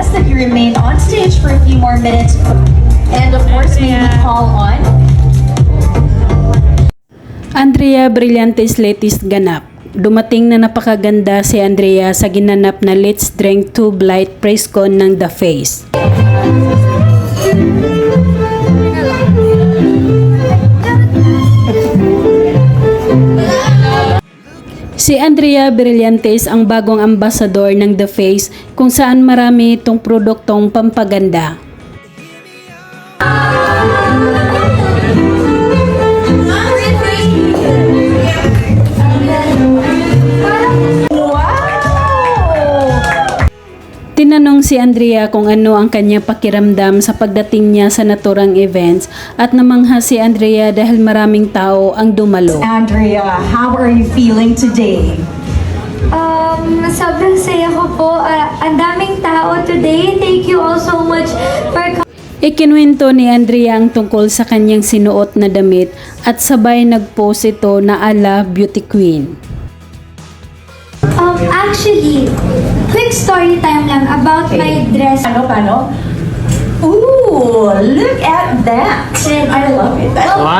request that you remain on stage for a few more minutes. And of course, may we call on Andrea Brillantes latest ganap. Dumating na napakaganda si Andrea sa ginanap na Let's Drink 2 Blight press con ng The Face. Si Andrea Brillantes ang bagong ambasador ng The Face kung saan marami itong produktong pampaganda. Tinanong si Andrea kung ano ang kanyang pakiramdam sa pagdating niya sa naturang events at namangha si Andrea dahil maraming tao ang dumalo. Andrea. How are you feeling today? Sobrang saya ko po. Ang daming tao today. Thank you all so much for Ikinwento ni Andrea ang tungkol sa kanyang sinuot na damit at sabay nag-post ito na ala beauty queen. Actually, quick story time lang about my dress. Paano? Ooh, look at that. I love it.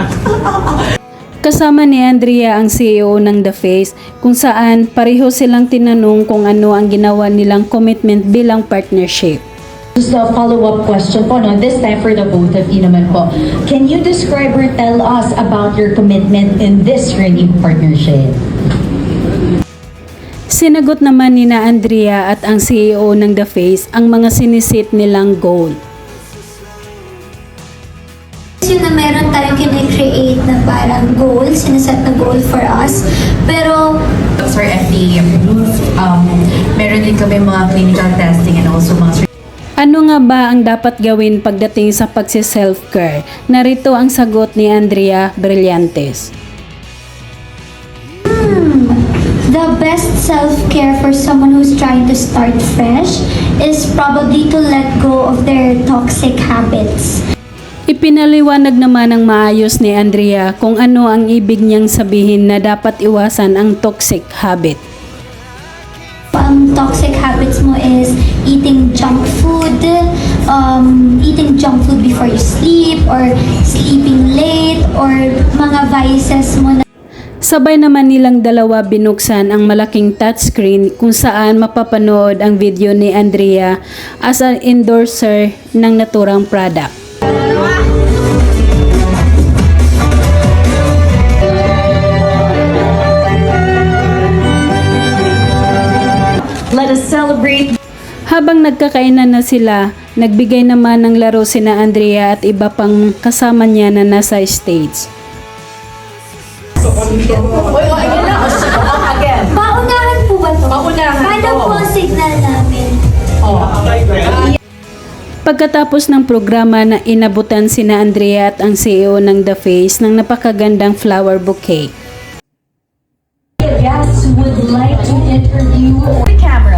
Kasama ni Andrea ang CEO ng The Face kung saan pareho silang tinanong kung ano ang ginawa nilang commitment bilang partnership. Just a follow-up question po, no? This time for the both of you naman po. Can you describe or tell us about your commitment in this renewed partnership? Sinagot naman ni na Andrea at ang CEO ng The Face ang mga sinisit nilang goal. Yun na meron tayong kine-create na parang goal, sinaset na goal for us. Pero Those are FDA approved. Meron din kami mga clinical testing and also mga Ano nga ba ang dapat gawin pagdating sa pagsi-self-care? Narito ang sagot ni Andrea Brillantes. the best self-care for someone who's trying to start fresh is probably to let go of their toxic habits. Ipinaliwanag naman ng maayos ni Andrea kung ano ang ibig niyang sabihin na dapat iwasan ang toxic habit. Ang toxic habits mo is eating junk food before you sleep, or sleeping late, or mga vices mo na Sabay naman nilang dalawa binuksan ang malaking touchscreen kung saan mapapanood ang video ni Andrea as an endorser ng naturang product. Let us celebrate. Habang nagkakainan na sila, nagbigay naman ng laro sina Andrea at iba pang kasama niya na nasa stage. Paunahan po ba to? Paano po ang signal namin? Pagkatapos ng programa na inabutan sina Andrea at ang CEO ng The Face ng napakagandang flower bouquet. Guests would like to interview The camera.